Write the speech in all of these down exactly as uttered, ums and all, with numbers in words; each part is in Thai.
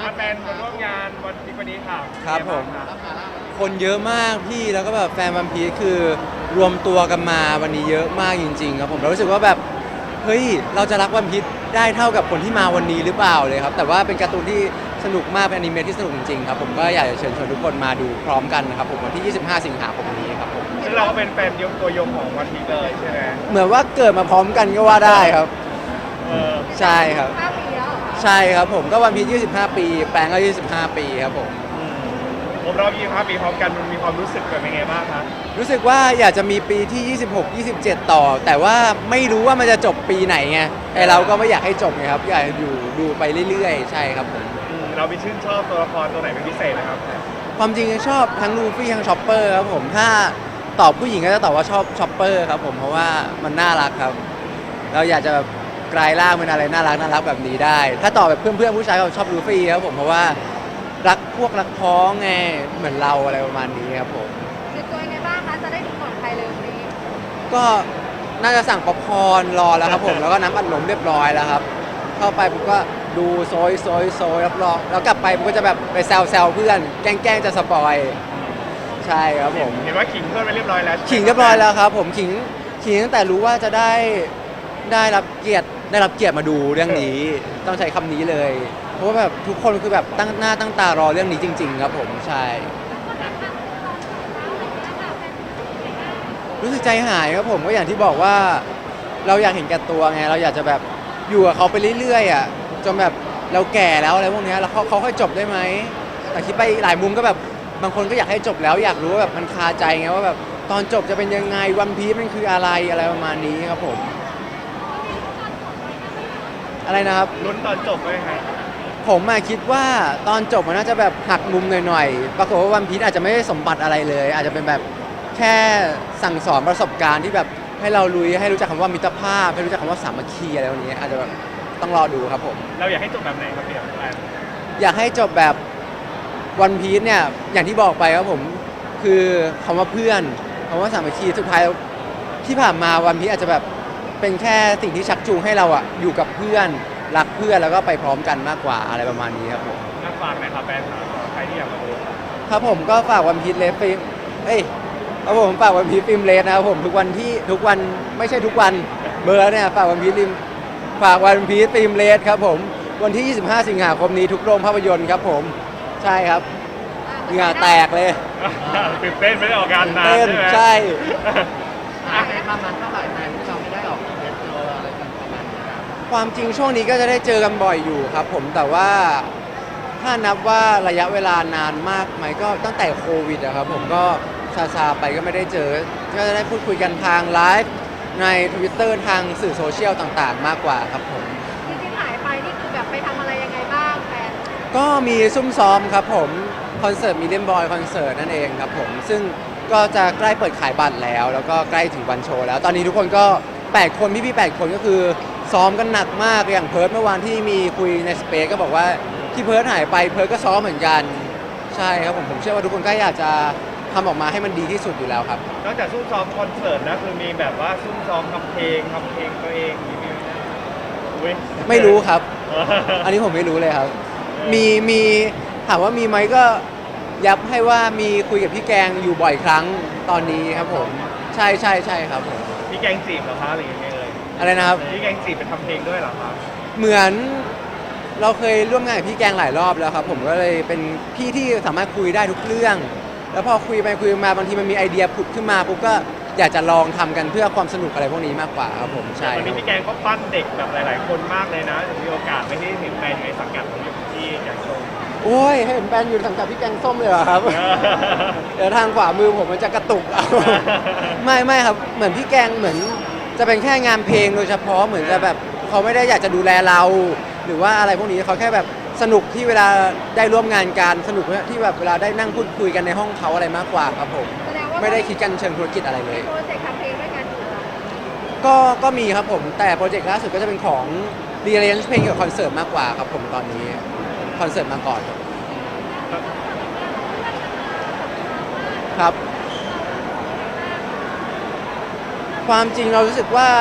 มาแฟนมาร่วมงานวันที่วันนี้ค่ะครับผมเป็นไงางคะคนเยอะมากพี่แล้วก็แบบแฟนวันพีชคือรวมตัวกันมาวันนี้เยอะมากจริงๆครับผมเรารู้สึกว่าแบบเฮ้ยเราจะรักวันพีชได้เท่ากับคนที่มาวันนี้หรือเปล่าเลยครับแต่ว่าเป็นการ์ตูนที่สนุกมากเป็นอนิเมะที่สนุกจริงๆครับผมก็อยากจะเชิญชวนทุกคนมาดูพร้อมกันนะครับผมวันที่ ยี่สิบห้า สิงหาคมนี้ครับผมซึ่งเราก็เป็นแฟนยงตัวยงของวันพีชเลยใช่ไหมเหมือนว่าเกิดมาพร้อมกันก็ว่าได้ครับเออใช่ครับห้าปีแล้วเหรอคะใช่ครับผมก็วันพีชยี่สิบห้า ปีแปลงก็ยี่สิบห้า ปีครับผมอืมผมรอบยี่สิบห้าปีพร้อมกันมันมีความรู้สึกเป็นไงบ้างคะรู้สึกว่าอยากจะมีปีที่ ยี่สิบหก ยี่สิบเจ็ด ต่อ แต่ว่าไม่รู้ว่ามันจะจบปีไหนไงไอเราก็ไม่อยากให้จบไงครับอยากอยู่ดูไปเรื่อยๆ ใช่ครับผมอืมเรามีชื่นชอบตัวละครตัวไหนเป็นพิเศษนะครับความจริงชอบทั้งลูฟี่ทั้งชอปเปอร์ครับผมถ้าตอบผู้หญิงก็จะตอบว่าชอบชอปเปอร์ครับผมเพราะว่ามันน่ารักครับ เราอยากจะแบบกลายร่างเป็นอะไรน่ารักน่ารักแบบนี้ได้ ถ้าตอบแบบเพื่อนๆผู้ชายก็ชอบลูฟี่ครับผมเพราะว่ารักพวกรักพ้องไงเหมือนเราอะไรประมาณนี้ครับผมเตรียมตัวยังไงบ้างคะจะได้ดูก่อนใครเลยวันนี้ก็น่าจะสั่งป๊อปคอร์นรอแล้วครับผมแล้วก็น้ำอัดลมเรียบร้อยแล้วครับเข้าไปผมก็ดูโซยโซยโซยรับรองแล้วกลับไปผมก็จะแบบไปแซวแซวเพื่อนแกล้งๆจะสปอยใช่ครับผมเห็นว่าขิงเพื่อนไปเรียบร้อยแล้วขิงเรียบร้อยแล้วครับผมขิงขิงตั้งแต่รู้ว่าจะได้ได้รับเกียรติได้รับเกียรติมาดูเรื่องนี้ต้องใช้คำนี้เลย เพราะว่าแบบทุกคนคือแบบตั้งหน้าตั้งตารอเรื่องนี้จริง ๆ ครับผมใช่ รู้สึกใจหายครับผมก็อย่างที่บอกว่าเราอยากเห็นแก่ตัวไงเราอยากจะแบบอยู่กับเขาไปเรื่อยๆอ่ะจนแบบเราแก่แล้วอะไรพวกเนี้ยแล้วเขาเขาค่อยจบได้ไหมแต่คิดไปหลายมุมก็แบบบางคนก็อยากให้จบแล้วอยากรู้ว่าแบบมันคาใจไงว่าแบบตอนจบจะเป็นยังไงวันพีซมันคืออะไรอะไรประมาณนี้ครับผมอะไรนะครับลุ้นตอนจบไหมฮะผมอะคิดว่าตอนจบมันน่าจะแบบหักมุมหน่อยๆ ปรากฏว่าวันพีชอาจจะไม่ได้สมบัติอะไรเลย อาจจะเป็นแบบแค่สั่งสอนประสบการณ์ที่แบบให้เรารู้ให้รู้จักคำว่ามิตรภาพให้รู้จักคำว่าสามัคคีอะไรพวกนี้อาจจะแบบต้องรอดูครับผมเราอยากให้จบแบบไหนครับพี่แอนอยากให้จบแบบวันพีชเนี่ยอย่างที่บอกไปครับผมคือคำว่าเพื่อนคำว่าสามัคคีสุดท้ายที่ผ่านมาวันพีชอาจจะแบบเป็นแค่สิ่งที่ชักจูงให้เราอะอยู่กับเพื่อนรักเพื่อนแล้วก็ไปพร้อมกันมากกว่าอะไรประมาณนี้ครับผมน่าฟังนะครับแฟนครับใครที่อยากมาดูครับผมก็ฝากวันพีชเลฟฟิล์มเอ้ยครับผมฝากวันพีชฟิล์มเลสนะครับผมทุกวันที่ทุกวันไม่ใช่ทุกวันเบอร์เนี่ยฝากวันพีชฟิล์มฝากวันพีชฟิล์มเลสครับผมวันที่ ยี่สิบห้า สิงหาคมนี้ทุกโรงภาพยนตร์ครับผมใช่ครับเหงื่อแตกเลยตื่นเต้นไม่ได้ออกงานนานเต้นใช่ไหมใช่อ่ะประมาณเท่าไหร่ไหมที่เราไม่ได้ออกเทสโลอะไรกันประมาณนี้ครับความจริงช่วงนี้ก็จะได้เจอกันบ่อยอยู่ครับผมแต่ว่าถ้านับว่าระยะเวลานานมากไหมก็ตั้งแต่โควิดอะครับผมก็ซาซาๆไปก็ไม่ได้เจอ ก็จะได้พูดคุยกันทางไลฟ์ใน Twitter ทางสื่อโซเชียลต่างๆ มากกว่าครับผมจริงๆหายไปนี่คือแบบไปทำอะไรยังไงบ้างแฟนก็มีซุ่มซ้อมครับผมคอนเสิร์ตมิเลนบอยคอนเสิร์ตนั่นเองครับผมซึ่งก็จะใกล้เปิดขายบัตรแล้ว แล้วก็ใกล้ถึงวันโชว์แล้ว ตอนนี้ทุกคนก็แปดคนพี่ๆแปดคนก็คือซ้อมกันหนักมากอย่างเพิร์ดเมื่อวานที่มีคุยในสเปซก็บอกว่าที่เพิร์ดหายไปเพิร์ดก็ซ้อมเหมือนกันใช่ครับผมผมเชื่อว่าทุกคนก็อยากจะทำออกมาให้มันดีที่สุดอยู่แล้วครับนอกจากซุ่มซ้อมคอนเสิร์ตนะคือมีแบบว่าซุ่มซ้อมทำเพลงทำเพลงตัวเองมีไหมอุ๊ยไม่รู้ครับเอออันนี้ผมไม่รู้เลยครับ มีมีถามว่ามีไหมก็ยับให้ว่ามีคุยกับพี่แกงอยู่บ่อยครั้งตอนนี้ครับผม ใช่ใช่ใช่ครับผมพี่แกงจีบเหรอคะหรือยังไงเลยอะไรนะครับพี่แกงจีบไปทำเพลงด้วยเหรอคะเหมือนเราเคยร่วมงานกับพี่แกงหลายรอบแล้วครับผมก็เลยเป็นพี่ที่สามารถคุยได้ทุกเรื่อง แล้วพอคุยไปคุยมาบางทีมันมีไอเดียผุดขึ้นมาปุ๊บก็อยากจะลองทำกันเพื่อความสนุกอะไรพวกนี้มากกว่าครับผมใช่วันนี้พี่แกงก็ปั้นเด็กแบบหลาย ๆ คนมากเลยนะมีโอกาสไม่ได้เห็นแฟนอยู่ในสังกัดของพี่อยากชมโอ้ยให้เห็นแฟนอยู่สังกัดพี่แกงส้มเลยเหรอครับ เดี๋ยวทางขวามือผมมันจะกระตุกเอา ไม่ไม่ครับเหมือนพี่แกงเหมือนจะเป็นแค่งานเพลงโดยเฉพาะเหมือนจะแบบเขาไม่ได้อยากจะดูแลเรา หรือว่าอะไรพวกนี้เขาแค่แบบสนุกที่เวลาได้ร่วมงานกันสนุกที่แบบเวลาได้นั่งพูดคุยกันในห้องเขาอะไรมากกว่าครับผมแสดงว่าไม่ได้คิดกันเชิงธุรกิจอะไรเลมียโปรเจกต์ทำเพลงด้วยกันอยู่เหรอก็ก็มีครับผมแต่โปรเจกต์ล่าสุดก็จะเป็นของ rearrange เพลงเกี่ยวกับคอนเสิร์ตมากกว่าครับผมตอนนี้คอนเสิร์ตมาก่อนครับ ความจริงเรารู้สึกว่า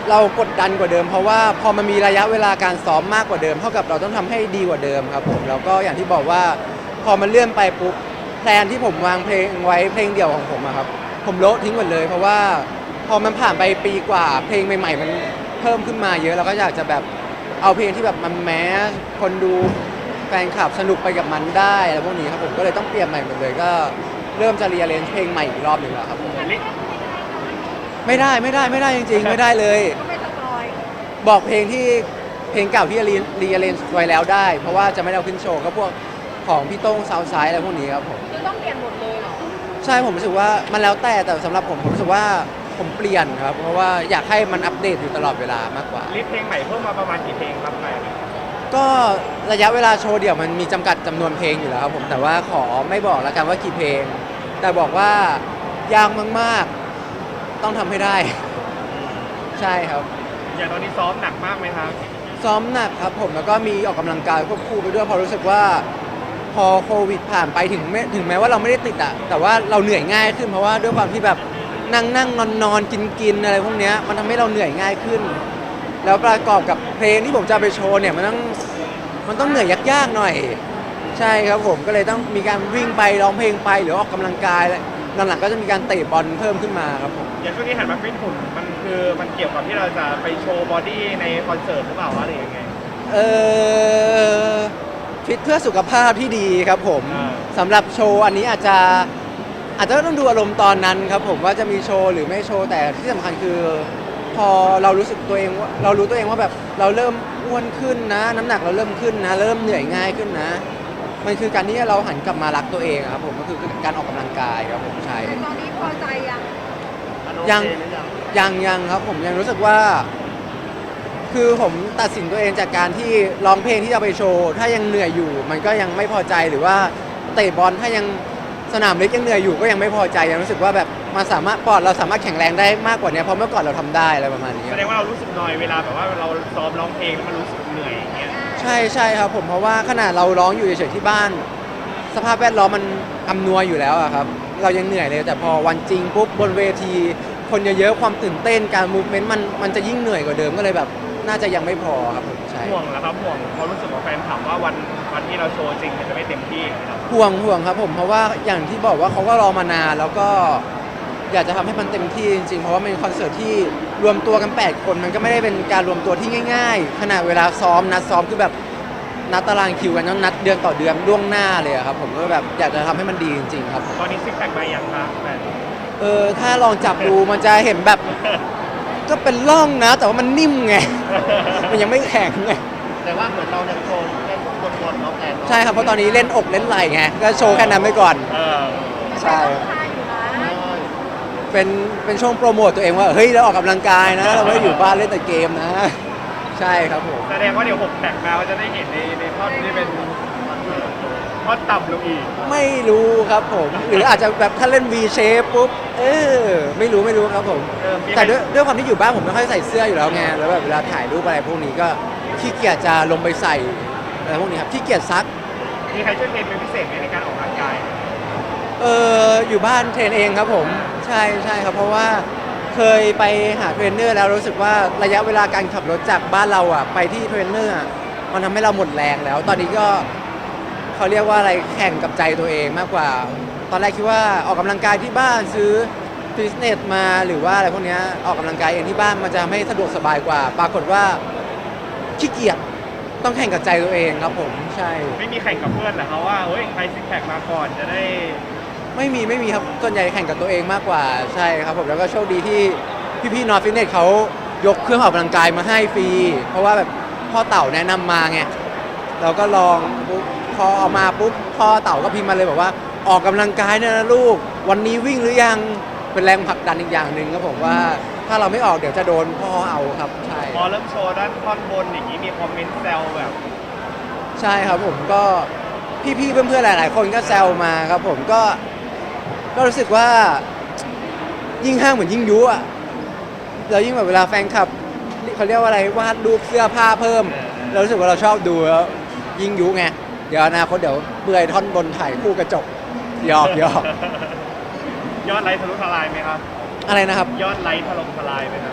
เรากดดันกว่าเดิมเพราะว่าพอมันมีระยะเวลาการซ้อมมากกว่าเดิมเท่ากับเราต้องทำให้ดีกว่าเดิมครับผมแล้วก็อย่างที่บอกว่าพอมันเลื่อนไปปุ๊บแพลนที่ผมวางเพลงไว้เพลงเดี่ยวของผมอะครับผมโละทิ้งหมดเลยเพราะว่าพอมันผ่านไปปีกว่าเพลงใหม่ๆมันเพิ่มขึ้นมาเยอะเราก็อยากจะแบบเอาเพลงที่แบบมันแมสคนดูแฟนคลับสนุกไปกับมันได้อะไรพวกนี้ครับผมก็เลยต้องเปลี่ยนใหม่หมดเลยก็เริ่มจะเรียนเพลงใหม่อีกรอบหนึ่งแล้วครับผมไม่ได้ไม่ได้ไม่ได้จริงๆไม่ได้เลยก็ไม่สปอยบอกเพลงที่เพลงเก่าที่รีรีเลนไว้แล้วได้ เพราะว่าจะไม่ได้เอาขึ้นโชว์ก็พวกของพี่โต้งซาวไซด์อะไรพวกนี้ครับผมคือต้องเปลี่ยนหมดเลยเหรอใช่ผมรู้สึกว่ามันแล้วแต่แต่สำหรับผมผมรู้สึกว่าผมเปลี่ยนครับเพราะว่าอยากให้มันอัปเดตอยู่ตลอดเวลามากกว่าลิสต์เพลงใหม่เพิ่มมาประมาณกี่เพลงครับแฟนก็ระยะเวลาโชว์เดี่ยวมันมีจำกัดจำนวนเพลงอยู่แล้วครับผมแต่ว่าขอไม่บอกแล้วกันว่ากี่เพลง แต่บอกว่ายากมากๆต้องทำให้ได้ ใช่ครับอย่างตอนนี้ซ้อมหนักมากไหมครับซ้อมหนักครับผมแล้วก็มีออกกำลังกายควบคู่ไปด้วยเพอรู้สึกว่าพอโควิดผ่านไปถึงแม้ถึงแม้ว่าเราไม่ได้ติดอะแต่ว่าเราเหนื่อยง่ายขึ้นเพราะว่าด้วยความที่แบบนั่งนั่งนอนนอนกินกินอะไรพวกเนี้ยมันทำให้เราเหนื่อยง่ายขึ้น แล้วประกอบกับเพลงที่ผมจะเอาไปโชว์เนี่ยมันต้องมันต้องเหนื่อยยากๆหน่อย ใช่ครับผมก็เลยต้องมีการวิ่งไปร้องเพลงไปหรือออกกำลังกายแล้วหลังๆก็จะมีการเตะบอลเพิ่มขึ้นมาครับผมอย่างช่วงนี้หันมาฟิตหุ่นมันคือมันเกี่ยวกับที่เราจะไปโชว์บอดี้ในคอนเสิร์ตหรือเปล่าวะหรือยังไงเออฟิตเพื่อสุขภาพที่ดีครับผมอ่าสำหรับโชว์อันนี้อาจจะอาจจะต้องดูอารมณ์ตอนนั้นครับผมว่าจะมีโชว์หรือไม่โชว์แต่ที่สำคัญคือ พอเรารู้สึกตัวเองว่าเรารู้ตัวเองว่าแบบเราเริ่มอ้วนขึ้นนะ น้ำหนักเราเริ่มขึ้นนะ เริ่มเหนื่อยง่ายขึ้นนะ มันคือการที่เราหันกลับมารักตัวเองอะครับผมก็คือการออกกำลังกายครับผมใช่แต่ตอนนี้พอใจยังมันโอยังเคหรือยังยังยังครับผมยังรู้สึกว่า คือผมตัดสินตัวเองจากการที่ร้องเพลงที่จะไปโชว์ ถ้ายังเหนื่อยอยู่ มันก็ยังไม่พอใจหรือว่าเตะบอลถ้ายังสนามเล็กยังเหนื่อยอยู่ก็ยังไม่พอใจยังรู้สึกว่าแบบมาสามารถปอดเราสามารถแข็งแรงได้มากกว่านี้เพราะเมื่อก่อนเราทำได้อะไรประมาณนี้แสดงว่าเรารู้สึกนอยเวลาแบบว่าเราซ้อมร้องเพลงแล้วมันรู้สึกเหนื่อยอย่างเงี้ยใช่ใช่ครับผมเพราะว่าขนาดเราร้องอยู่เฉยๆที่บ้าน สภาพแวดล้อมมันอำนวยอยู่แล้วอะครับเรายังเหนื่อยเลยแต่พอวันจริงปุ๊บบนเวที คนเยอะๆความตื่นเต้นการมูฟเมนต์มันมันจะยิ่งเหนื่อยกว่าเดิมก็เลยแบบน่าจะยังไม่พอครับผมใช่ห่วงเหรอครับห่วงเขาะรู้สึกว่าแฟนถามว่าวันวันที่เราโชว์จริงมันจะไม่เต็มที่ครับห่วงห่วงครับผมเพราะว่าอย่างที่บอกว่าเขาก็รอมานานแล้วก็อยากจะทำให้มันเต็มที่จริงๆเพราะว่าเป็นคอนเสิร์ตที่รวมตัวกันแปดคนมันก็ไม่ได้เป็นการรวมตัวที่ง่ายๆขนาดเวลาซ้อมนัดซ้อมคือแบบนัดตารางคิวกันต้องนัดเดือนต่อเดือนล่วงหน้าเลยอะครับผมก็แบบอยากจะทำให้มันดีจริงๆครับตอนนี้ซิกแพคมายังครับแฟนเออถ้าลองจับดูมันจะเห็นแบบก็เป็นร่องนะ แต่ว่ามันนิ่มไง มันยังไม่แข็งไงแต่ว่าเหมือนเราเนี่ยโชว์เล่นบนๆเนาะแอนใช่ครับเพราะตอนนี้เล่นอกเล่นไหล่ไงก็โชว์แค่นั้นไปก่อนเออใช่ใช่อยู่นะใช่เป็นเป็นช่วงโปรโมทตัวเองว่าเฮ้ยเราออกกำลังกายนะ เราไม่ได้อยู่บ้านเล่นแต่เกมนะ ใช่ครับผมแสดงว่าเดี๋ยวหกแท็กมาก็จะได้เห็นในในท่อนที่เป็นท่อนต่ำลงอีกไม่รู้ครับผม หรืออาจจะแบบถ้าเล่น V shape ปุ๊บเออไม่รู้ไม่รู้ครับผมเออมีใครแต่ด้วยด้วยความที่อยู่บ้านผมไม่ค่อยใส่เสื้ออยู่แล้วไงแล้วแบบเวลาถ่ายรูปอะไรพวกนี้ก็ขี้เกียจจะลงไปใส่อะไรพวกนี้ครับขี้เกียจซักมีใครช่วยเทรนเป็นพิเศษไหมในการออกกำลังกายเอออยู่บ้านเทรนเองครับผมใช่ใช่ครับเพราะว่าเคยไปหาเทรนเนอร์แล้วรู้สึกว่าระยะเวลาการขับรถจากบ้านเราอ่ะไปที่เทรนเนอร์อะมันทำให้เราหมดแรงแล้ว ตอนนี้ก็เขาเรียกว่าอะไรแข่งกับใจตัวเองมากกว่า ตอนแรกคิดว่าออกกำลังกายที่บ้านซื้อฟิตเนสมาหรือว่าอะไรพวกเนี้ยออกกำลังกายเองที่บ้านมันจะทำให้สะดวกสบายกว่า ปรากฏว่าขี้เกียจต้องแข่งกับใจตัวเองครับผมใช่ไม่มีแข่งกับเพื่อนเหรอเขาว่าเฮ้ยใครซิกแพคมาก่อนจะได้ไม่มีไม่มีครับส่วนใหญ่แข่งกับตัวเองมากกว่าใช่ครับผมแล้วก็โชคดีที่พี่ๆนอร์ฟิตเนสเขายกเครื่องออกกำลังกายมาให้ฟรีเพราะว่าแบบพ่อเต่าแนะนำมาไงเราก็ลองปุ๊บพอเอามาปุ๊บพ่อเต่าก็พิมพ์มาเลยบอกว่าออกกำลังกายเนี่ยนะลูกวันนี้วิ่งหรือยังเป็นแรงผลักดันอีกอย่างหนึ่งครับผมว่าถ้าเราไม่ออกเดี๋ยวจะโดนพ่อเอาครับใช่พอเริ่มโชว์ด้านท่อนบนอย่างนี้มีคอมเมนต์แซวแบบใช่ครับผมก็พี่ๆเพื่อนๆหลาย ๆ คนก็แซวมาครับผมก็ก็รู้สึกว่ายิ่งห้างเหมือนยิ่งยุอ่ะเรายิ่งแบบเวลาแฟนคลับเขาเรียกว่าอะไรวาดรูปเสื้อผ้าเพิ่ม เรารู้สึกว่าเราชอบดูแล้วยิ่งยุไงเดี๋ยวอนาคตเดี๋ยวเบื่อยท่อนบนถ่ายคู่กระจกหยอกหยอกยอดไลค์ทะลุทลายไหมครับอะไรนะครับยอดไลค์ถล่มทลายไหมครับ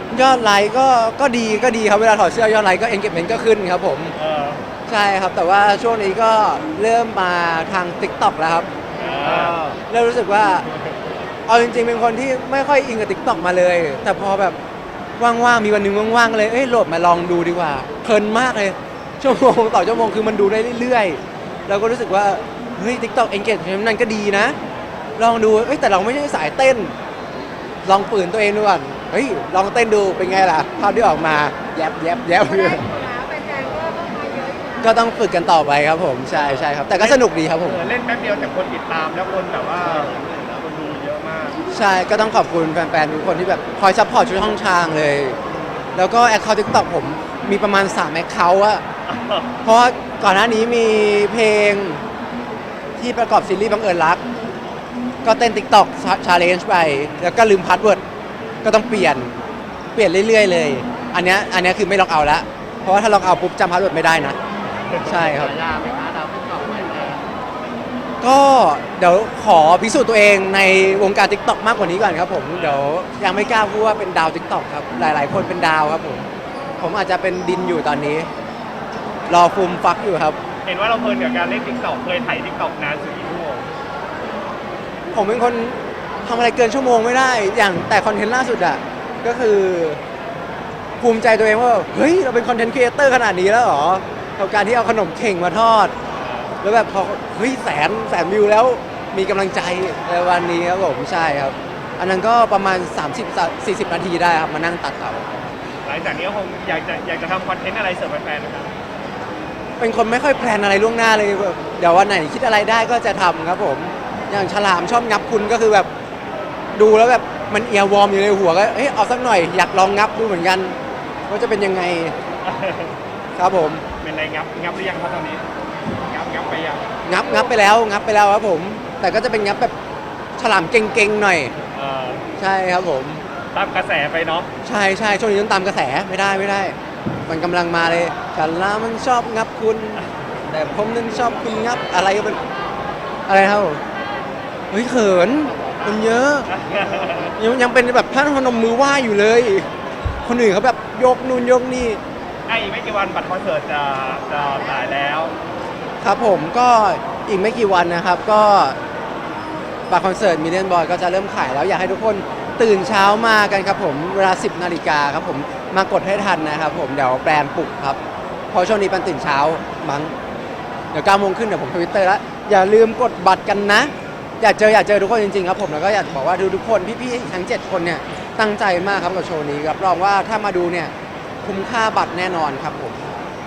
ยอดไลค์ก็ก็ดีก็ดีครับเวลาถอดเสื้อยอดไลค์ก็ engagement ก็ขึ้นครับผมเออใช่ครับแต่ว่าช่วงนี้ก็เริ่มมาทาง TikTok แล้วครับเออเริ่มรู้สึกว่าเอาจริงๆเป็นคนที่ไม่ค่อยอินกับ TikTok มาเลย แต่พอแบบว่างๆมีวันหนึงว่างๆเลยเอ้ยโหลดมาลองดูดีกว่าเพลินมากเลยชั่วโมงต่อชั่วโมงคือมันดูได้เรื่อยๆแล้วก็รู้สึกว่าเฮ้ย TikTok engagement นั่นก็ดีนะ ลองดูเอ้ยแต่เราไม่ใช่สายเต้น ลองฝืนตัวเองดูก่อนเฮ้ยลองเต้นดูเป็นไงล่ะภาพที่ออกมาแยบแยบแยบก็ได้อยู่นะแฟนๆก็เข้ามาเยอะอยู่นะก็ต้องฝึกกันต่อไปครับผมใช่ใช่ครับ แต่ก็สนุกดีครับผมเออเล่นแป๊บเดียวแต่คนติดตามแล้วคนแบบว่าคนดูเยอะมากใช่ก็ต้องขอบคุณแฟนๆทุกคนที่แบบคอยซัพพอร์ตช่วยช่องทางเลย แล้วก็แอคเคาท์ทิกตอกผมมีประมาณ3แอคเคาท์อะเพราะว่าก่อนหน้านี้มีเพลงที่ประกอบซีรีส์บังเอิญรัก ก็เต้น TikTok Challenge ไป แล้วก็ลืมพาสเวิร์ดก็ต้องเปลี่ยนเปลี่ยนเรื่อยๆเลย อันเนี้ยอันเนี้ยคือไม่ล็อกเอาท์ละเพราะว่าถ้าล็อกเอาท์ปุ๊บจำพาสเวิร์ดไม่ได้นะ ใช่ครับฉายาไหมคะดาวติ๊กต็อกไหมแฟนก็เดี๋ยวขอพิสูจน์ตัวเองในวงการ TikTok มากกว่านี้ก่อนครับผมเดี๋ยวยังไม่กล้าพูดว่าเป็นดาว TikTok ครับหลายๆ คนเป็นดาวครับผมผมอาจจะเป็นดินอยู่ตอนนี้ รอฟูมฟักอยู่ครับเห็นว่าเราเพลินกับการเล่นติ๊กต็อกเคยถ่ายติ๊กต็อกนานสุดกี่ชั่วโมงผมเป็นคนทำอะไรเกินชั่วโมงไม่ได้ อย่างแต่คอนเทนต์ล่าสุดอะก็คือ ภูมิใจตัวเองว่าเฮ้ยเราเป็นคอนเทนต์ครีเอเตอร์ขนาดนี้แล้วเหรอกับการที่เอาขนมเข่งมาทอด แล้วแบบพอเฮ้ยแสนแสนวิวแล้วมีกำลังใจในวันนี้ครับผมใช่ครับ อันนั้นก็ประมาณ สามสิบถึงสี่สิบ นาทีได้ครับมานั่งตัดเอาหลังจากนี้ก็คงอยากจะอยากจะทำคอนเทนต์อะไรเสิร์ฟแฟนๆนะครับเป็นคนไม่ค่อยแพลนอะไรล่วงหน้าเลยแบบเดี๋ยววันไหนคิดอะไรได้ก็จะทำครับผม อย่างฉลามชอบงับคุณก็คือแบบดูแล้วแบบมันเอียร์วอร์มอยู่ในหัวก็เอ้ยเอาสักหน่อยอยากลองงับดูเหมือนกันว่าจะเป็นยังไงครับผมเป็นไรงับงับหรือยังครับตอนนี้งับงับไปยังงับงับไปแล้วงับไปแล้วครับผม แต่ก็จะเป็นงับแบบฉลามเก่งๆหน่อยเออใช่ครับผมตามกระแสไปเนาะใช่ใช่ช่วงนี้ต้องตามกระแสไม่ได้ไม่ได้ มันกำลังมาเลยฉลามมันชอบงับคุณ แต่ผมนั้นชอบคุณงับอะไรก็เป็นอะไรครับผมเฮ้ยเขินคนเยอะ ยังยังเป็นแบบท่านพนมมือไหว้อยู่เลย คนอื่นเขาแบบยกนู่นยกนี่ไอ้อีกไม่กี่วันบัตรคอนเสิร์ตจะจะขายแล้วครับผมก็อีกไม่กี่วันนะครับ ก็บัตรคอนเสิร์ตมิลเลียนบอยก็จะเริ่มขายแล้วอยากให้ทุกคนตื่นเช้ามากันครับผมเวลา สิบนาฬิกาครับผมมากดให้ทันนะครับผมเดี๋ยวแบรนด์ปลุกครับเพราะช่วงนี้เป็นตื่นเช้ามั้งเดี๋ยวเก้าโมงขึ้นเดี๋ยวผมทวิตเตอร์แล้วอย่าลืมกดบัตรกันนะ อยากเจออยากเจอทุกคนจริงๆครับผมแล้วก็อยากบอกว่าดูทุกคนพี่ๆทั้งเจ็ดคนเนี่ยตั้งใจมากครับกับโชว์นี้รับรองว่าถ้ามาดูเนี่ยคุ้มค่าบัตรแน่นอนครับผม